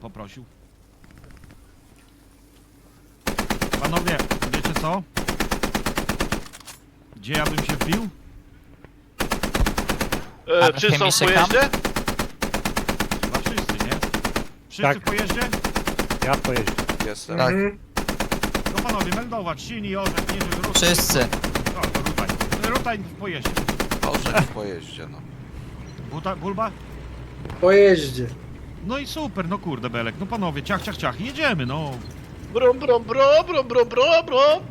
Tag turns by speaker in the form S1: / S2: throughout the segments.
S1: poprosił. Panowie, wiecie co? Gdzie ja bym się wbił?
S2: Wszyscy są w pojeździe?
S1: Chyba wszyscy, nie? Wszyscy
S3: Tak.
S1: w pojeździe?
S3: Ja w pojeździe.
S2: Jestem.
S4: Tak.
S1: No panowie, meldować, silni, orzech, nie żeby
S4: Wszyscy.
S1: No, to rutaj. Rutaj w pojeździe.
S2: Orzech w pojeździe, no.
S1: Bulba?
S5: Po jeździe.
S1: No i super, no kurde Belek, no panowie, ciach, ciach, ciach, jedziemy, no.
S2: Brum, brum, brum, brum, brum, brum, brum.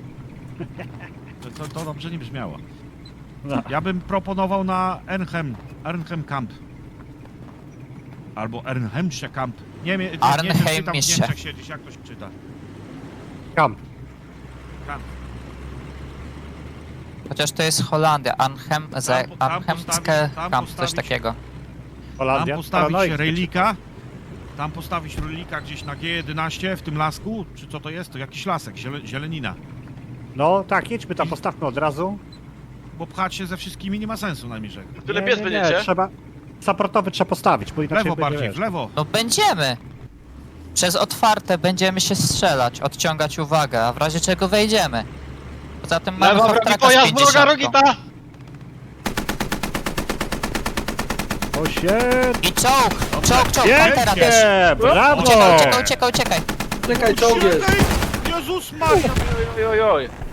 S1: To dobrze nie brzmiało.
S3: No.
S1: Ja bym proponował na Arnhem Camp. Albo Arnhemsche Camp. Nie wiem, czytam w
S4: Arnhemische.
S1: Niemczech siedzisz, jak to się czyta.
S3: Kamp.
S1: Camp.
S4: Chociaż to jest Holandia, Arnhemskie
S1: tam
S4: Camp, coś
S1: postawić-
S4: takiego.
S3: Holandia.
S1: Tam postawić
S3: Paranoik.
S1: relika. Tam postawić relika gdzieś na G11 w tym lasku. Czy co to jest? To jakiś lasek, zielenina.
S3: No tak, jedźmy tam, postawmy od razu.
S1: Bo pchać się ze wszystkimi nie ma sensu na Mirzek.
S2: Tyle pies będziecie?
S3: trzeba... Supportowy trzeba postawić, bo
S1: W
S3: inaczej
S1: lewo
S3: będzie,
S1: bardziej,
S3: wiesz.
S1: w lewo.
S4: No będziemy! Przez otwarte będziemy się strzelać, odciągać uwagę, a w razie czego wejdziemy. Poza tym mamy
S2: Lewo, wrogi
S4: Hortraka z
S2: pojazd, wroga
S4: 50.
S2: Rogita!
S3: O shit!
S4: I czołg! Czołg, Pantera też!
S3: Pięknie! Brawo!
S4: Uciekaj!
S5: Czekaj, czołg jest.
S1: Jezus Maria!
S2: Oj, oj, oj.